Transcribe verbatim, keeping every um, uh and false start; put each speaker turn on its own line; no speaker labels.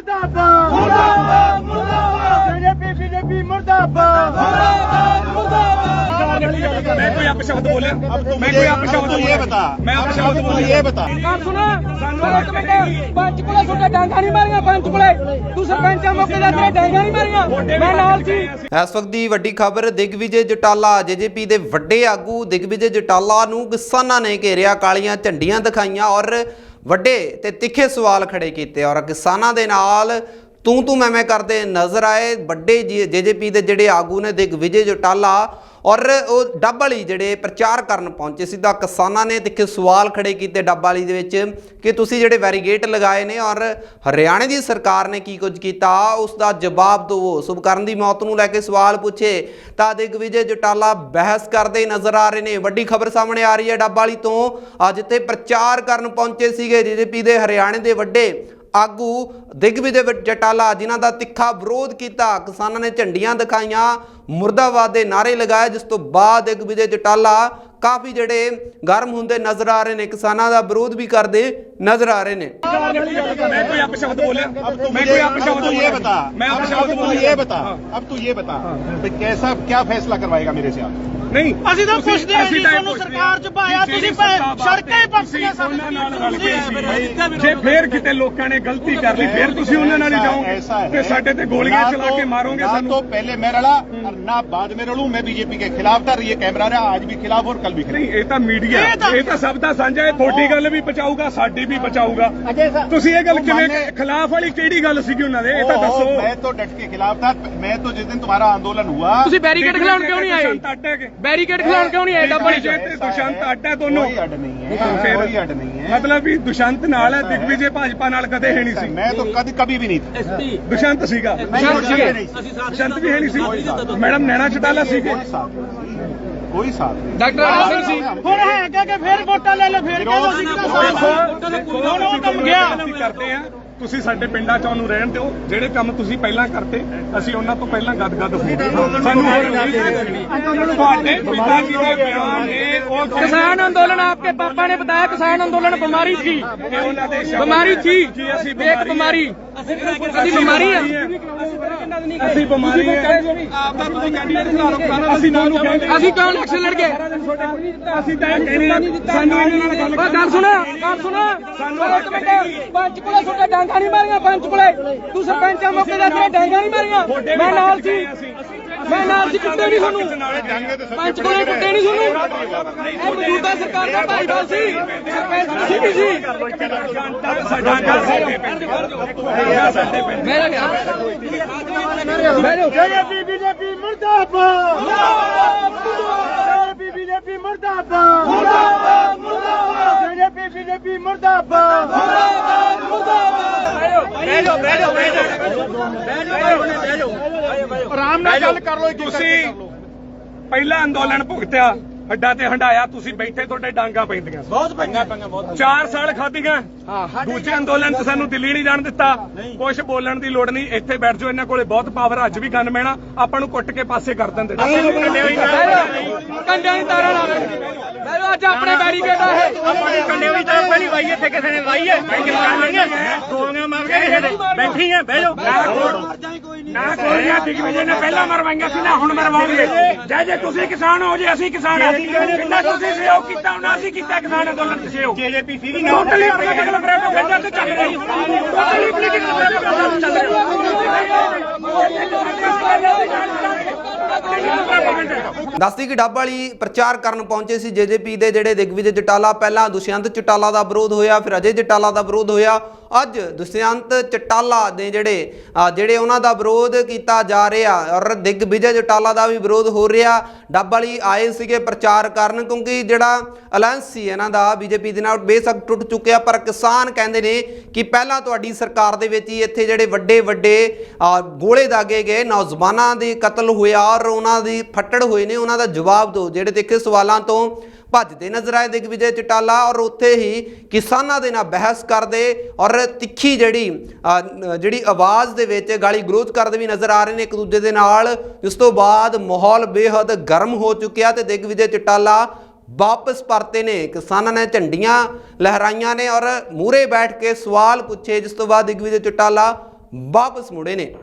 मुर्दाबाद मुर्दाबाद मुर्दाबाद बीजेपी बीजेपी मुर्दाबाद मुर्दाबाद मुर्दाबाद।
मैं कोई अपशब्द बोले मैं कोई अपशब्द
ये बता
मैं अपशब्द बोले
ये बता
बात सुनो पंच कोले छोटे डांगा नहीं मारिया पंच कोले तू सरपंच मौके दा तेरे डांगा नहीं मारिया मैं नाल सी।
ਇਸ ਵਕਤ ਦੀ ਵੱਡੀ ਖਬਰ ਦਿਗਵਿਜੇ ਜਟਾਲਾ ਜੇਜੇਪੀ ਦੇ ਵੱਡੇ ਆਗੂ ਦਿਗਵਿਜੇ ਜਟਾਲਾ ਨੂੰ ਕਿਸਾਨਾਂ ਨੇ ਘੇਰਿਆ, ਕਾਲੀਆਂ ਝੰਡੀਆਂ ਦਿਖਾਈਆਂ ਔਰ ਵੱਡੇ ਤੇ ਤਿੱਖੇ ਸਵਾਲ ਖੜੇ ਕੀਤੇ ਔਰ ਕਿਸਾਨਾਂ ਦੇ ਨਾਲ ਤੂੰ ਤੂੰ ਮੈਂ ਮੈਂ ਕਰਦੇ ਨਜ਼ਰ ਆਏ। ਵੱਡੇ ਜੇਜੇਪੀ ਦੇ ਜਿਹੜੇ ਆਗੂ ਨੇ ਦਿਗਵਿਜੇ ਜਟਾਲਾ ਔਰ ਉਹ ਡੱਬ ਵਾਲੀ ਜਿਹੜੇ ਪ੍ਰਚਾਰ ਕਰਨ ਪਹੁੰਚੇ ਸੀ ਤਾਂ ਕਿਸਾਨਾਂ ਨੇ ਤਿੱਖੇ ਸਵਾਲ ਖੜੇ ਕੀਤੇ ਡੱਬ ਵਾਲੀ ਦੇ ਵਿੱਚ ਕਿ ਤੁਸੀਂ ਜਿਹੜੇ ਬੈਰੀਗੇਟ ਲਗਾਏ ਨੇ ਔਰ ਹਰਿਆਣੇ ਦੀ ਸਰਕਾਰ ਨੇ ਕੀ ਕੁਝ ਕੀਤਾ ਉਸ ਦਾ ਜਵਾਬ ਦਿਓ। ਸੁਭਕਰਨ ਦੀ ਮੌਤ ਨੂੰ ਲੈ ਕੇ ਸਵਾਲ ਪੁੱਛੇ ਤਾਂ ਦਿਗਵਿਜੇ ਜਟਾਲਾ ਬਹਿਸ ਕਰਦੇ ਨਜ਼ਰ ਆ ਰਹੇ ਨੇ। ਵੱਡੀ ਖਬਰ ਸਾਹਮਣੇ ਆ ਰਹੀ ਹੈ ਡੱਬ ਵਾਲੀ ਤੋਂ, ਅੱਜ ਤੇ ਪ੍ਰਚਾਰ ਕਰਨ ਪਹੁੰਚੇ ਸੀਗੇ ਜੇਜੇਪੀ ਦੇ ਹਰਿਆਣੇ ਦੇ ਵੱਡੇ ਆਗੂ ਦਿਗਵਿਜੇ ਜਟਾਲਾ ਜਿਨ੍ਹਾਂ ਦਾ ਤਿੱਖਾ ਵਿਰੋਧ ਕੀਤਾ। ਕਿਸਾਨਾਂ ਨੇ ਝੰਡੀਆਂ ਦਿਖਾਈਆਂ, ਮੁਰਦਾਬਾਦ ਦੇ ਨਾਰੇ ਲਗਾਏ, ਜਿਸ ਤੋਂ ਬਾਅਦ ਦਿਗਵਿਜੇ ਜਟਾਲਾ ਕਾਫੀ ਜਿਹੜੇ ਗਰਮ ਹੁੰਦੇ ਨਜ਼ਰ ਆ ਰਹੇ ਨੇ, ਕਿਸਾਨਾਂ ਦਾ ਵਿਰੋਧ ਵੀ ਕਰਦੇ नजर आ रहे ने।
मैं कोई अपशब्द बोले मैं कोई अपशब्द
ये बता
मैं अपशब्द बोले
ये बता अब तू ये बता कैसा क्या फैसला करवाएगा मेरे से आप?
नहीं
ਅਸੀਂ ਤਾਂ ਪੁੱਛਦੇ ਆਂ ਜੀ ਤੁਹਾਨੂੰ ਸਰਕਾਰ ਚ ਪਾਇਆ ਤੁਸੀਂ ਸੜਕਾਂ ਹੀ ਪੱਕੀਆਂ ਸਾਡੇ
ਜੇ ਫੇਰ ਕਿਤੇ ਲੋਕਾਂ ਨੇ ਗਲਤੀ ਕਰ ਲਈ ਫੇਰ ਤੁਸੀਂ ਉਹਨਾਂ ਨਾਲ ਹੀ ਜਾਓਗੇ ਤੇ ਸਾਡੇ ਤੇ ਗੋਲੀਆਂ ਚਲਾ ਕੇ ਮਾਰੋਗੇ ਸਾਨੂੰ।
तो पहले मैं लड़ा और ना बाद में लड़ूं। मैं बीजेपी के खिलाफ था, ये कैमरा रहा आज भी खिलाफ और कल भी खिलाफ।
नहीं ਇਹ ਤਾਂ ਮੀਡੀਆ ਇਹ ਤਾਂ ਸਭ ਦਾ ਸਾਂਝਾ ਹੈ, ਤੁਹਾਡੀ ਗੱਲ ਵੀ ਬਚਾਊਗਾ ਸਾਡੀ ਵੀ ਬਚਾਊਗਾ। ਤੁਸੀਂ ਇਹ ਗੱਲ ਕਿਵੇਂ ਖਿਲਾਫ ਵਾਲੀ ਕਿਹੜੀ ਗੱਲ ਸੀਗੀ ਉਹਨਾਂ ਦੇ ਇਹ ਤਾਂ ਦੱਸੋ।
मैं तो डट के खिलाफ था। मैं तो जिस दिन तुम्हारा आंदोलन हुआ
ਤੁਸੀਂ ਬੈਰੀਕੇਡ ਖਿਲਾਉਣ ਕਿਉਂ ਨਹੀਂ ਆਏ? ਬੈਰੀਕੇਡ ਖਿਲਾਉਣ ਕਿਉਂ ਨਹੀਂ ਆਏ? ਡੱਬੜੀ ਚ
ਦੁਸ਼ੰਤ ਅੱਡ ਹੈ ਦੋਨੋਂ।
कोई अड नहीं है कोई अड नहीं है।
ਮਤਲਬ ਵੀ ਦੁਸ਼ੰਤ ਨਾਲ ਹੈ, ਦਿਗਵਿਜੇ ਭਾਜਪਾ ਨਾਲ ਕਦੇ ਹੈ ਨਹੀਂ ਸੀ।
मैं तो कभी कभी भी नहीं था।
ਦੁਸ਼ੰਤ ਸੀਗਾ ਦੁਸ਼ੰਤ ਵੀ ਹੈ ਨਹੀਂ ਸੀ। ਮੈਡਮ ਨੈਣਾ ਚਟਾਲਾ ਸੀਗੇ
कोई साथ नहीं।
ਡਾਕਟਰ ਆਨੰਦ ਸਿੰਘ ਸੀ ਹੁਣ ਹੈਗਾ ਕਿ ਫੇਰ ਵੋਟਾਂ ਲੈ ਲੈ ਫੇਰ ਕਹਿੰਦਾ ਸੀ
ਅਸੀਂ ਕੰਮ ਗਿਆ ਕਰਦੇ ਆ। ਤੁਸੀਂ ਸਾਡੇ ਪਿੰਡਾਂ ਚ ਉਹਨੂੰ ਰਹਿਣ ਦਿਓ, ਜਿਹੜੇ ਕੰਮ ਤੁਸੀਂ ਪਹਿਲਾਂ ਕਰਤੇ ਅਸੀਂ ਉਹਨਾਂ ਤੋਂ ਪਹਿਲਾਂ ਗਦਗਦ ਹੋ ਸਾਨੂੰ ਤੁਹਾਡੇ ਪਿਤਾ ਜੀ ਦੇ ਬਿਆਨ ਨੇ ਉਹ
किसान आंदोलन आपके पापा ने बताया किसान आंदोलन बीमारी थी बीमारी थी एक बीमारी ਅਸੀਂ ਬਿਮਾਰੀ ਆ
ਅਸੀਂ ਬਿਮਾਰੀ ਹੈ ਅਸੀਂ ਨਾਲ ਕਹਿੰਦੇ
ਅਸੀਂ ਕਿਉਂ ਇਲੈਕਸ਼ਨ ਲੜ ਗਏ?
ਅਸੀਂ ਤਾਂ ਕਹਿੰਦੇ ਸਾਨੂੰ ਇਹਨਾਂ ਨਾਲ ਗੱਲ
ਗੱਲ ਸੁਣਾ ਗੱਲ ਸੁਣਾ ਇੱਕ ਮਿੰਟ ਪੰਚ ਕੋਲੇ ਛੋਟੇ ਡਾਂਗਾ ਨਹੀਂ ਮਾਰੀਆਂ ਪੰਚ ਕੋਲੇ ਤੂੰ ਸਰਪੰਚ ਮੌਕੇ ਦਾ ਤੇਰੇ ਡਾਂਗਾ ਨਹੀਂ ਮਾਰੀਆਂ ਮੈਂ ਨਾਲ ਸੀ ਮੈਂ ਨਾਲ ਸੀ ਕੁੱਟੇ ਨਹੀਂ ਤੁਹਾਨੂੰ ਪੰਚ ਕੋਲੇ ਕੁੱਟੇ ਨਹੀਂ ਤੁਹਾਨੂੰ ਇਹ ਮੌਜੂਦਾ ਸਰਕਾਰ ਦਾ ਭਾਈਵਾਲ ਸੀ ਸਰਪੰਚ ਤੁਸੀਂ ਵੀ ਸੀ ਮੇਰਾ ਗਿਆ ਬੀਜੇਪੀ ਬੀਜੇਪੀ ਮੁਰਦਾਬਾਦ ਮੁਰਦਾਬਾਦ ਬੀਜੇਪੀ ਮੁਰਦਾਬਾਦ ਮੁਰਦਾਬਾਦ ਮੁਰਦਾਬਾਦ ਬੀਜੇਪੀ ਬੀਜੇਪੀ ਮੁਰਦਾਬਾਦ ਮੁਰਦਾਬਾਦ ਮੁਰਦਾਬਾਦ ਬਹਿ ਜਾਓ ਬਹਿ ਜਾਓ ਬਹਿ ਜਾਓ ਬਹਿ ਜਾਓ
ਆਰਾਮ ਨਾਲ ਗੱਲ ਕਰ ਲਓ। ਤੁਸੀਂ ਪਹਿਲਾ ਅੰਦੋਲਨ ਭੁਗਤਿਆ, ਹੱਡਾਂ ਤੇ ਹੰਡਾਇਆ, ਤੁਸੀਂ ਬੈਠੇ ਤੁਹਾਡੇ ਡਾਂਗਾ ਪੈਂਦੀਆਂ ਬਹੁਤ ਪਈਆਂ ਪਈਆਂ ਬਹੁਤ ਚਾਰ ਸਾਲ ਖਾਧੀਆਂ। ਦੂਜੇ ਅੰਦੋਲਨ ਚ ਸਾਨੂੰ ਦਿੱਲੀ ਨਹੀਂ ਜਾਣ ਦਿੱਤਾ। ਕੁਝ ਬੋਲਣ ਦੀ ਲੋੜ ਨਹੀਂ, ਇੱਥੇ ਬੈਠ ਜਾਓ, ਇਹਨਾਂ ਕੋਲੇ ਬਹੁਤ ਪਾਵਰ, ਅੱਜ ਵੀ ਗਨ ਮੈਣਾ ਆਪਾਂ ਨੂੰ ਕੁੱਟ ਕੇ ਪਾਸੇ ਕਰ ਦਿੰਦੇ।
ਕੰਡਿਆਂ ਦੀ ਤਾਰਾਂ ਲਾ ਦੇ ਅੱਜ ਆਪਣੇ ਬੈਰੀਕੇਡ ਆ ਇਹ
ਆਪਣੀ ਕੰਡਿਆਂ ਦੀ ਤਾਰ ਪਹਿਲੀ ਵਾਈ ਇੱਥੇ ਕਿਸੇ ਨੇ ਵਾਈ ਹੈ ਗੋਲੀਆਂ ਮਾਰ ਕੇ ਬੈਠੀ ਹੈ ਬਹਿ ਜਾਓ ਨਾ ਗੋਲੀਆਂ ਦਿਗਵਿਜੇ ਨੇ ਪਹਿਲਾਂ ਮਰਵਾਈਆਂ ਸੀ ਨਾ ਹੁਣ ਮਰਵਾਉਣਗੇ। ਜੇ ਜੇ ਤੁਸੀਂ ਕਿਸਾਨ ਹੋ ਜੇ ਅਸੀਂ ਕਿਸਾਨ ਹਾਂ ਕਿੰਨਾ ਤੁਸੀਂ ਸਹਿਯੋਗ ਕੀਤਾ ਉਹਨਾਂ ਅਸੀਂ ਕੀਤਾ ਕਿਸਾਨ ਅੰਦੋਲਨ ਚ ਸਹਿਯੋਗ ਜੇਜੇਪੀ ਸੀਗੀ ਨਾ ਟੋਟਲੀ ਪੋਲੀਟੀਕਲ ਪ੍ਰੈਸ਼ਰ ਤੇ ਚੱਲ ਰਹੀ ਟੋਟਲੀ ਪੋਲੀਟੀਕਲ ਪ੍ਰੈਸ਼ਰ ਚੱਲ ਰਹੀ।
ਦੱਸਦੀ ਕਿ ਡੱਬ ਵਾਲੀ ਪ੍ਰਚਾਰ ਕਰਨ ਪਹੁੰਚੇ ਸੀ ਜੇਜੇਪੀ ਦੇ ਜਿਹੜੇ ਦਿਗਵਿਜੇ ਜਟਾਲਾ। ਪਹਿਲਾਂ ਦੁਸ਼ਯੰਤ ਚਟਾਲਾ ਦਾ ਵਿਰੋਧ ਹੋਇਆ, ਫਿਰ ਅਜੇ ਜਟਾਲਾ ਦਾ ਵਿਰੋਧ ਹੋਇਆ। ਅੱਜ ਦੁਸ਼ਯੰਤ ਚਟਾਲਾ ਦੇ ਜਿਹੜੇ ਜਿਹੜੇ ਉਹਨਾਂ ਦਾ ਵਿਰੋਧ ਕੀਤਾ ਜਾ ਰਿਹਾ ਔਰ ਦਿਗਵਿਜੇ ਜਟਾਲਾ ਦਾ ਵੀ ਵਿਰੋਧ ਹੋ ਰਿਹਾ। ਡੱਬ ਵਾਲੀ ਆਏ ਸੀਗੇ ਪ੍ਰਚਾਰ ਕਰਨ ਕਿਉਂਕਿ ਜਿਹੜਾ ਅਲਾਇੰਸ ਸੀ ਇਹਨਾਂ ਦਾ ਬੀਜੇਪੀ ਦੇ ਨਾਲ ਬੇਸ਼ੱਕ ਟੁੱਟ ਚੁੱਕਿਆ, ਪਰ ਕਿਸਾਨ ਕਹਿੰਦੇ ਨੇ ਕਿ ਪਹਿਲਾਂ ਤੁਹਾਡੀ ਸਰਕਾਰ ਦੇ ਵਿੱਚ ਹੀ ਇੱਥੇ ਜਿਹੜੇ ਵੱਡੇ ਵੱਡੇ ਗੋਲੇ ਦਾਗੇ ਗਏ, ਨੌਜਵਾਨਾਂ ਦੇ ਕਤਲ ਹੋਇਆ ਔਰ ਉਹਨਾਂ ਦੀ ਫੱਟੜ ਹੋਏ ਨੇ, ਉਹਨਾਂ ਦਾ ਜਵਾਬ ਦਿਓ। ਜਿਹੜੇ ਦੇਖੇ ਸਵਾਲਾਂ ਤੋਂ ਭੱਜਦੇ ਨਜ਼ਰ ਆਏ ਦਿਗਵਿਜੇ ਚਟਾਲਾ ਔਰ ਉੱਥੇ ਹੀ ਕਿਸਾਨਾਂ ਦੇ ਨਾਲ ਬਹਿਸ ਕਰਦੇ ਔਰ ਤਿੱਖੀ ਜਿਹੜੀ ਜਿਹੜੀ ਆਵਾਜ਼ ਦੇ ਵਿੱਚ ਗਾਲੀ ਗਲੋਚ ਕਰਦੇ ਵੀ ਨਜ਼ਰ ਆ ਰਹੇ ਨੇ ਇੱਕ ਦੂਜੇ ਦੇ ਨਾਲ। ਇਸ ਤੋਂ ਬਾਅਦ ਮਾਹੌਲ ਬੇਹੱਦ ਗਰਮ ਹੋ ਚੁੱਕਿਆ ਤੇ ਦਿਗਵਿਜੇ ਚਟਾਲਾ ਵਾਪਸ ਪਰਤੇ ਨੇ। ਕਿਸਾਨਾਂ ਨੇ ਝੰਡੀਆਂ ਲਹਿਰਾਈਆਂ ਨੇ ਔਰ ਮੂਹਰੇ ਬੈਠ ਕੇ ਸਵਾਲ ਪੁੱਛੇ, ਜਿਸ ਤੋਂ ਬਾਅਦ ਦਿਗਵਿਜੇ ਚਟਾਲਾ ਵਾਪਸ ਮੁੜੇ ਨੇ।